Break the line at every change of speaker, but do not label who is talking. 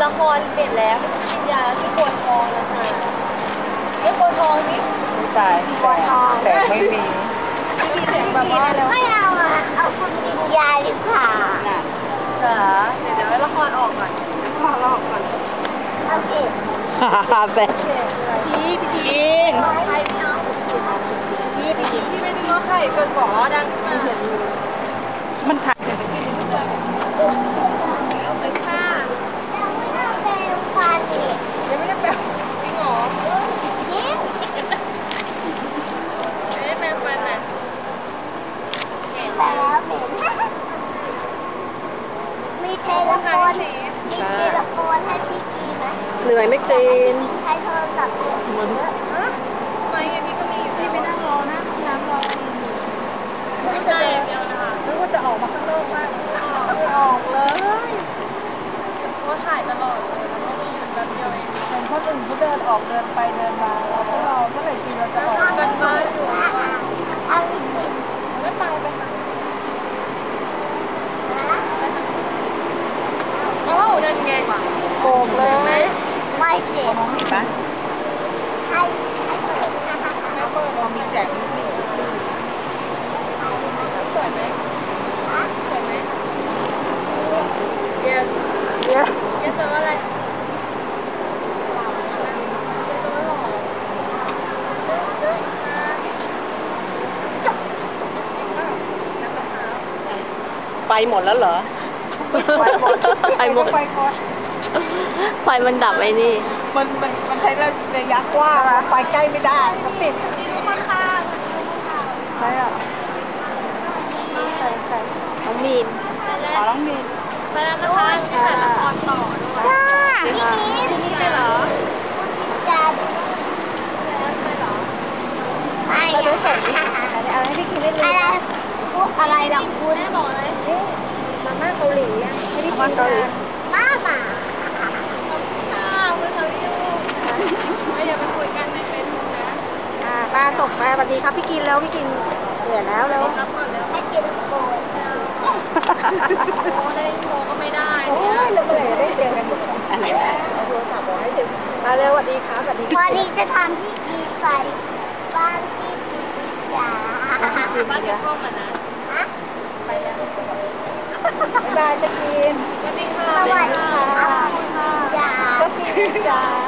ละครเปลี่ยนแล้วกินยาที่โกนทองนะคะไม่โกนทองนี่
ไม่ตายแต่ไม่มี
มีเสียงแบบว่า
ไม่เอาอ่ะเอาคุณกินยาดีกว่า
เดี๋ยวให้ละครออกก่อนออกก่อน
โอเค
แต่
พี่ใครพี่น้องพี่ไม่ได้ง้อใครเกินกว่าดังขึ้นมา
มันถ่าย
เอาไปค่ะ
ยังไม่ได้แปรงฟันอีก
ยังไม่ได้แปรงจริงเหรอ
จริง
ไม่ได้แปรงฟันน่ะ
แล้วมีเทเลโฟนให้พี่กีไหม
เหนื่อยไม่ตีน
ใช้โทรศัพท์เหมือน
ไม่ไงพี่ก็มีอยู่
พี่ไปนั่งรอนะน้ำรอ
ไม่ได้เดียวนะคะ
นึกว่าจะออกมาข้างนอกมากไม่ออกเลย
ก็ถ่ายตลอดเลยแล้วก็มีอยู่แบบเดียวเอง
เห็นคนอื่นเขาเดินออกเดินไปเดินมาเราก็รอเมื่อไหร่ทีเราจะออก
กันมาอยู่
เอา
ไม่ไปไปค่ะโอ้เดินไง
โบกเลยไม่เจ็บ
มองเห็นปะ
ให้เปิด
ไม่เปิดเรามีแจกนิดหนึ่งเปิดไหมเปิดไหมเย็นเจออะไร
ไปหมดแล้วเหรอ
ไฟมันดับไอ้นี่
มันใช้ระยะกว้างนะไปใกล้ไม่ได้มันติด
มันค่ะ
ใช่อ่ะ
ใช่น้องมีน
น้องมีน
ไปแล้วนะคะที่ถ่ายละครต่อด้วย
พี่
นี่เลยเหรอ
จะ
ไปเหรอ
ไม่
เอาให้พี่กินได้เลย
อะไรดังคุณ
แม่บอกเลย
มาม่าเกาหลีอ่ะให้พี่กินมาม่า
คุณสาวิวไม่อย่าไปคุยกันในเฟซบุ๊กนะ
ป้าตกมาสวัสดีครับพี่กินแล้วพี่กินเหนื่อยแล้วแล้ว
รับก่อนแล้ว
ให้กินโกน
โอ้ได้โทรก็ไม่ได้
โอ้ยแล้วเมื่อไหร่จะได้เจอกันอะไรเอาโทรศัพท์บอกให้ถึงมาเร็วสวัสดีครับสวัสดีวันนี้จะทำพี่กีไปบ้านพี่กีจ๋า
บ้านจะพ่อกันนะ
ไปแล้ว
บ๊ายบายจะกิน
สวัสดีค่ะ
สวัสดีค่ะจ๋า
จ๋า